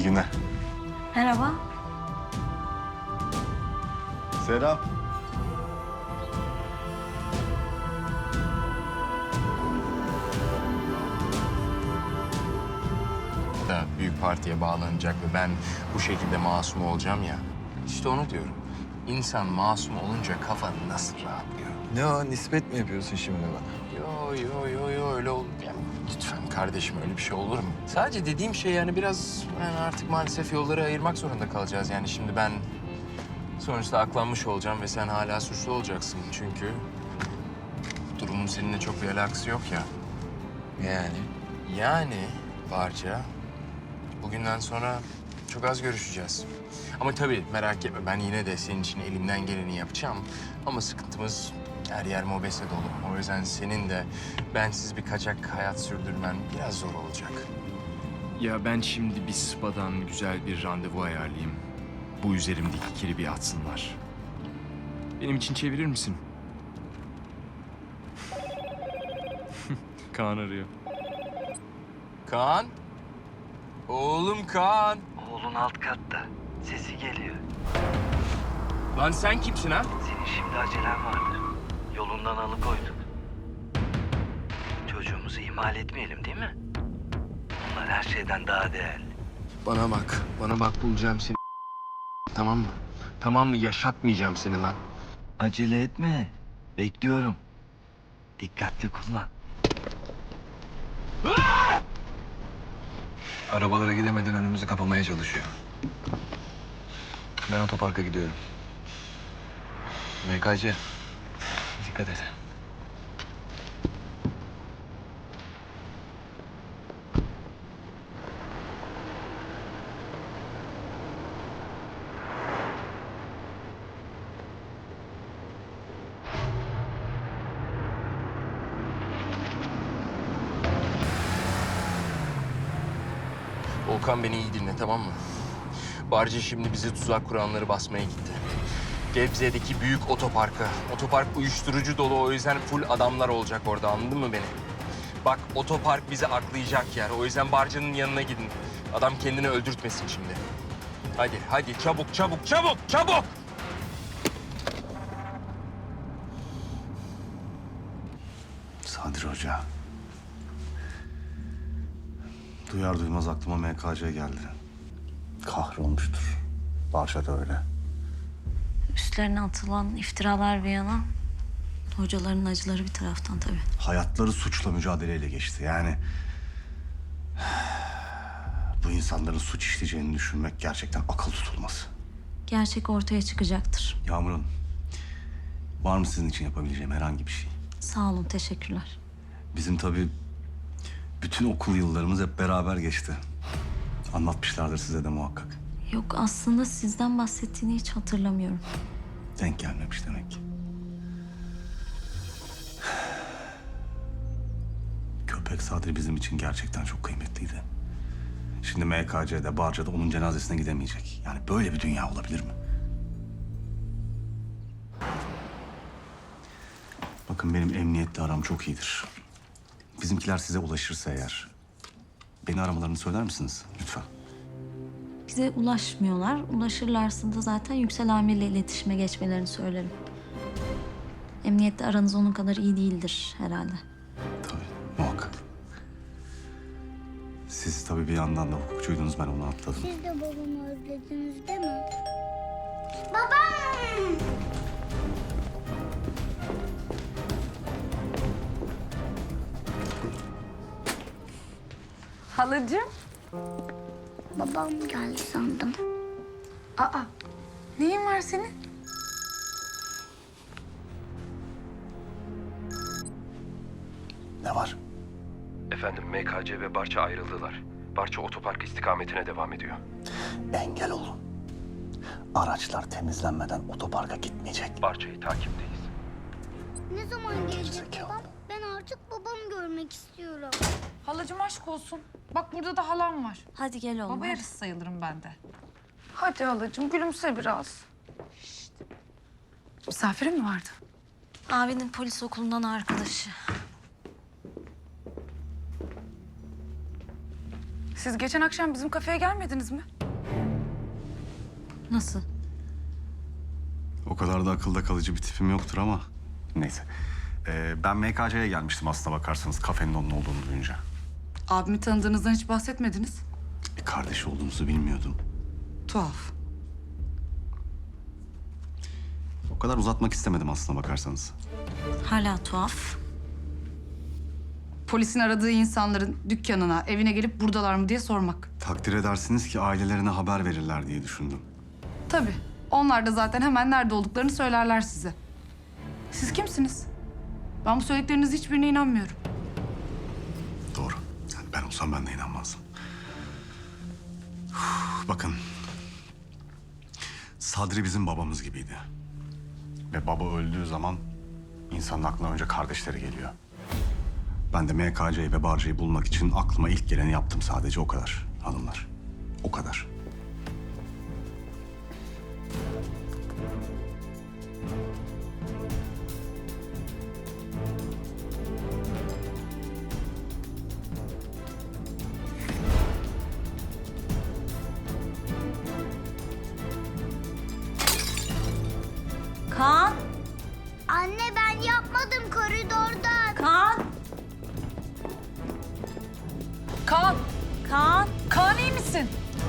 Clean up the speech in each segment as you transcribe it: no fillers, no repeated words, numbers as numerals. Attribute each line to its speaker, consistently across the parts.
Speaker 1: İyi günler.
Speaker 2: Merhaba.
Speaker 1: Selam.
Speaker 3: Da büyük partiye bağlanacak ve ben bu şekilde masum olacağım ya. İşte onu diyorum. İnsan masum olunca kafa nasıl rahatlıyor?
Speaker 4: Ne o, nispet mi yapıyorsun şimdi bana?
Speaker 3: Yo öyle olur. Ya, lütfen kardeşim öyle bir şey olur mu? Sadece dediğim şey yani biraz yani artık maalesef yolları ayırmak zorunda kalacağız. Yani şimdi ben sonuçta aklanmış olacağım ve sen hala suçlu olacaksın. Çünkü durumun seninle çok bir alakası yok ya.
Speaker 4: Yani?
Speaker 3: Yani Barca, bugünden sonra çok az görüşeceğiz. Ama tabii merak etme, ben yine de senin için elimden geleni yapacağım. Ama sıkıntımız her yer mobese dolu. O yüzden senin de bensiz bir kaçak hayat sürdürmen biraz zor olacak. Ya ben şimdi bir spadan güzel bir randevu ayarlayayım. Bu üzerimdeki kiri bir atsınlar. Benim için çevirir misin? Kaan arıyor. Kaan? Oğlum Kaan.
Speaker 5: Oğlun alt katta. Sesi geliyor.
Speaker 3: Lan sen kimsin ha?
Speaker 5: Senin şimdi acelen vardı. Yolundan alıkoyduk. Çocuğumuzu ihmal etmeyelim değil mi? Onlar her şeyden daha değerli.
Speaker 3: Bana bak bulacağım seni. Tamam mı? Tamam mı? Yaşatmayacağım seni lan.
Speaker 5: Acele etme. Bekliyorum. Dikkatli kullan.
Speaker 4: Arabalara gidemeden önümüzü kapamaya çalışıyor. Ben otoparka gidiyorum. MKC, dikkat et.
Speaker 3: Volkan beni iyi dinle tamam mı? Barca şimdi bizi tuzak kuranları basmaya gitti. Gebze'deki büyük otoparka. Otopark uyuşturucu dolu o yüzden full adamlar olacak orada anladın mı beni? Bak otopark bizi aklayacak yer. O yüzden Barca'nın yanına gidin. Adam kendini öldürtmesin şimdi. Hadi çabuk!
Speaker 1: Sadri Hoca. Duyar duymaz aklıma MKC geldi. Kahrolmuştur. Barça da öyle.
Speaker 2: Üstlerine atılan iftiralar bir yana, hocaların acıları bir taraftan tabii.
Speaker 1: Hayatları suçla mücadeleyle geçti. Yani bu insanların suç işleyeceğini düşünmek gerçekten akıl tutulmaz.
Speaker 2: Gerçek ortaya çıkacaktır.
Speaker 1: Yağmur'un var mı sizin için yapabileceğim herhangi bir şey?
Speaker 2: Sağ olun, teşekkürler.
Speaker 1: Bizim tabii bütün okul yıllarımız hep beraber geçti. Anlatmışlardır size de muhakkak.
Speaker 2: Yok, aslında sizden bahsettiğini hiç hatırlamıyorum.
Speaker 1: Denk gelmemiş demek ki. Köpek Sadri bizim için gerçekten çok kıymetliydi. Şimdi MKC'de, Barca'da onun cenazesine gidemeyecek. Yani böyle bir dünya olabilir mi? Bakın benim emniyetle aram çok iyidir. Bizimkiler size ulaşırsa eğer beni aramalarını söyler misiniz lütfen?
Speaker 2: Bize ulaşmıyorlar. Ulaşırlarsa da zaten Yüksel Amir'le iletişime geçmelerini söylerim. Emniyette aranız onun kadar iyi değildir herhalde.
Speaker 1: Tabii, muhakkak. Siz tabii bir yandan da hukukçuydunuz, ben onu atladım.
Speaker 6: Siz de babamı özlediniz değil mi? Babam!
Speaker 7: Halacığım.
Speaker 6: Babam geldi sandım.
Speaker 7: Aa, neyin var senin?
Speaker 1: Ne var?
Speaker 8: Efendim MKC ve Barça ayrıldılar. Barça otopark istikametine devam ediyor.
Speaker 1: Engel olun. Araçlar temizlenmeden otoparka gitmeyecek.
Speaker 8: Barça'yı takipteyiz.
Speaker 6: Ne zaman gelecek
Speaker 1: Gerizekalı.
Speaker 6: babam? Ben artık babamı görmek istiyorum.
Speaker 7: Halacığım aşk olsun. Bak burada da halam var.
Speaker 2: Hadi gel oğlum.
Speaker 7: Baba
Speaker 2: hadi.
Speaker 7: yarısı sayılırım ben de. Hadi halacığım gülümse biraz. Misafirin mi vardı?
Speaker 2: Abinin polis okulundan arkadaşı.
Speaker 7: Siz geçen akşam bizim kafeye gelmediniz mi?
Speaker 2: Nasıl?
Speaker 1: O kadar da akılda kalıcı bir tipim yoktur ama neyse. Ben MKC'ye gelmiştim aslına bakarsanız kafenin onun olduğunu duyunca.
Speaker 7: Abimi tanıdığınızdan hiç bahsetmediniz.
Speaker 1: Kardeş olduğumuzu bilmiyordum.
Speaker 7: Tuhaf.
Speaker 1: O kadar uzatmak istemedim aslına bakarsanız.
Speaker 2: Hala tuhaf.
Speaker 7: Polisin aradığı insanların dükkanına, evine gelip buradalar mı diye sormak.
Speaker 1: Takdir edersiniz ki ailelerine haber verirler diye düşündüm.
Speaker 7: Tabii. Onlar da zaten hemen nerede olduklarını söylerler size. Siz kimsiniz? Ben bu söylediklerinizin hiçbirine inanmıyorum.
Speaker 1: Doğru. Yani ben olsam ben de inanmazdım. Bakın. Sadri bizim babamız gibiydi. Ve baba öldüğü zaman insanın aklına önce kardeşleri geliyor. Ben de MKC'yi ve Barca'yı bulmak için aklıma ilk geleni yaptım sadece o kadar hanımlar. O kadar.
Speaker 2: Kaan!
Speaker 6: Anne ben yapmadım koridorda.
Speaker 2: Kaan!
Speaker 7: Kaan!
Speaker 2: Kaan!
Speaker 7: Kaan iyi misin?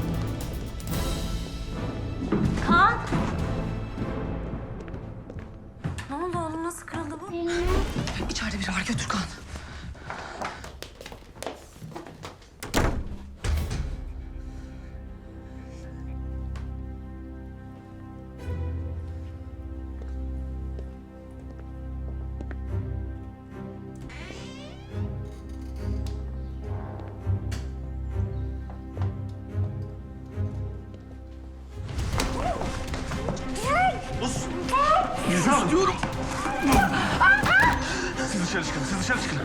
Speaker 2: Kaan! Ne oldu oğlum? Nasıl kırıldı bu?
Speaker 7: İçeride biri var, götür Kaan.
Speaker 1: Siz dışarı çıkın, siz dışarı çıkın.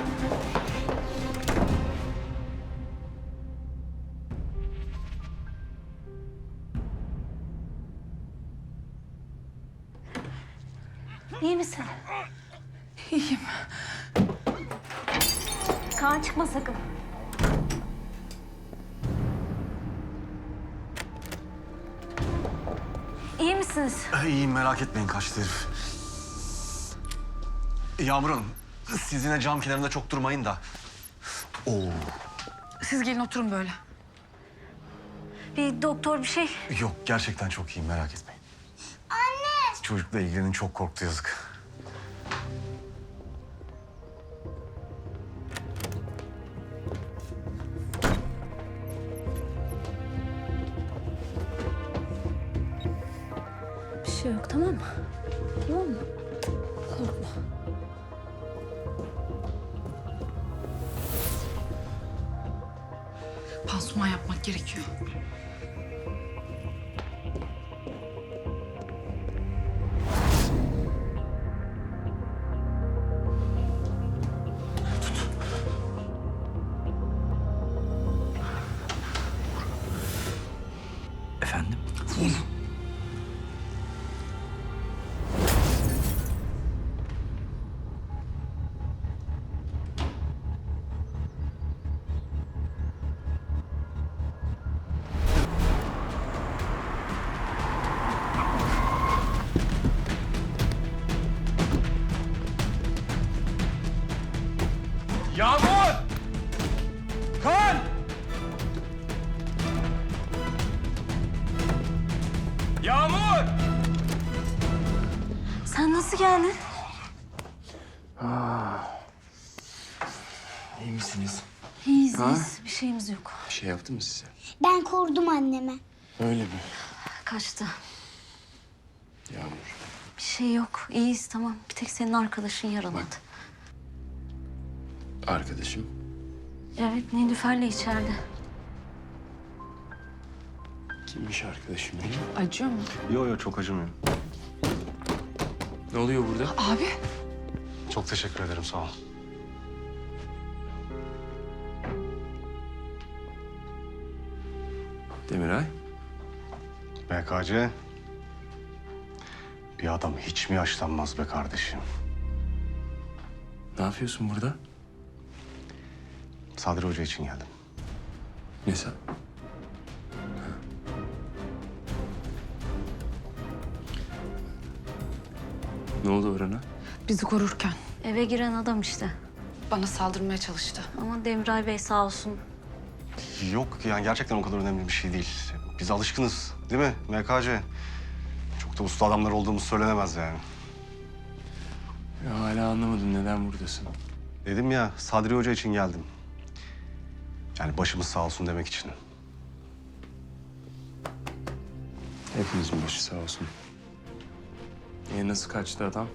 Speaker 2: İyi misin?
Speaker 7: İyiyim.
Speaker 2: Kaan çıkma sakın. İyi misiniz?
Speaker 1: İyiyim merak etmeyin kaçtı herif. Yağmur Hanım, siz yine cam kenarında çok durmayın da. Oo.
Speaker 7: Siz gelin oturun böyle.
Speaker 2: Bir doktor bir şey.
Speaker 1: Yok gerçekten çok iyiyim merak etmeyin. Anne! Çocukla ilgilenin çok korktu yazık.
Speaker 2: Bir şey yok tamam mı? Tamam mı? Korkma.
Speaker 7: Pansuman yapmak gerekiyor.
Speaker 5: Efendim?
Speaker 3: Yağmur! Kaan! Yağmur!
Speaker 2: Sen nasıl geldin?
Speaker 3: İyi misiniz?
Speaker 2: İyiyiz, iyiyiz. Bir şeyimiz yok.
Speaker 3: Bir şey yaptı mı size?
Speaker 6: Ben korudum anneme.
Speaker 3: Öyle mi?
Speaker 2: Kaçtı.
Speaker 3: Yağmur.
Speaker 2: Bir şey yok. İyiyiz tamam. Bir tek senin arkadaşın yaralandı.
Speaker 3: Bak. Arkadaşım.
Speaker 2: Evet, Nilüfer'le içeride.
Speaker 3: Kimmiş arkadaşım benim?
Speaker 7: Acıyor mu?
Speaker 1: Yo çok acımıyor.
Speaker 3: Ne oluyor burada?
Speaker 7: Abi.
Speaker 1: Çok teşekkür ederim sağ ol.
Speaker 3: Demiray.
Speaker 1: MKC. Bir adam hiç mi yaşlanmaz be kardeşim?
Speaker 3: Ne yapıyorsun burada?
Speaker 1: Sadri Hoca için geldim.
Speaker 3: Ne sen? Ne oldu Orhan'a?
Speaker 7: Bizi korurken
Speaker 2: Eve giren adam işte.
Speaker 7: bana saldırmaya çalıştı.
Speaker 2: Ama Demiray Bey sağ olsun.
Speaker 1: Yok yani gerçekten o kadar önemli bir şey değil. Biz alışkınız değil mi MKC? Çok da usta adamlar olduğumuz söylenemez yani.
Speaker 3: Ya hala anlamadım neden buradasın.
Speaker 1: Dedim ya Sadri Hoca için geldim. Yani başımız sağ olsun demek için.
Speaker 3: Hepimizin başı sağ olsun. Nasıl kaçtı adam?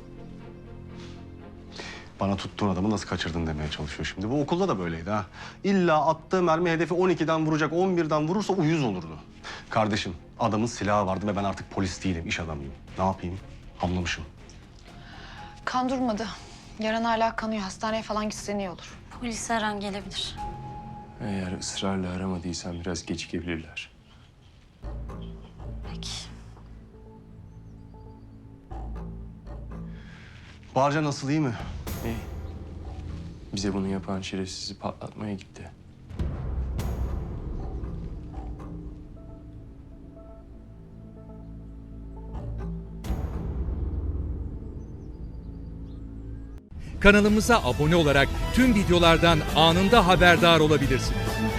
Speaker 1: Bana tuttuğun adamı nasıl kaçırdın demeye çalışıyor şimdi. Bu okulda da böyleydi ha. İlla attığı mermi hedefi 12'den vuracak, 11'den vurursa uyuz olurdu. Kardeşim adamın silahı vardı ve ben artık polis değilim, iş adamıyım. Ne yapayım? Hamlamışım.
Speaker 9: Kan durmadı. Yaran hala kanıyor. Hastaneye falan gitsen iyi olur.
Speaker 2: Polis her an gelebilir.
Speaker 3: Eğer ısrarla aramadıysan biraz gecikebilirler.
Speaker 2: Peki.
Speaker 1: Barca nasıl, iyi mi?
Speaker 3: İyi. Bize bunu yapan şerefsizi patlatmaya gitti.
Speaker 10: Kanalımıza abone olarak tüm videolardan anında haberdar olabilirsiniz.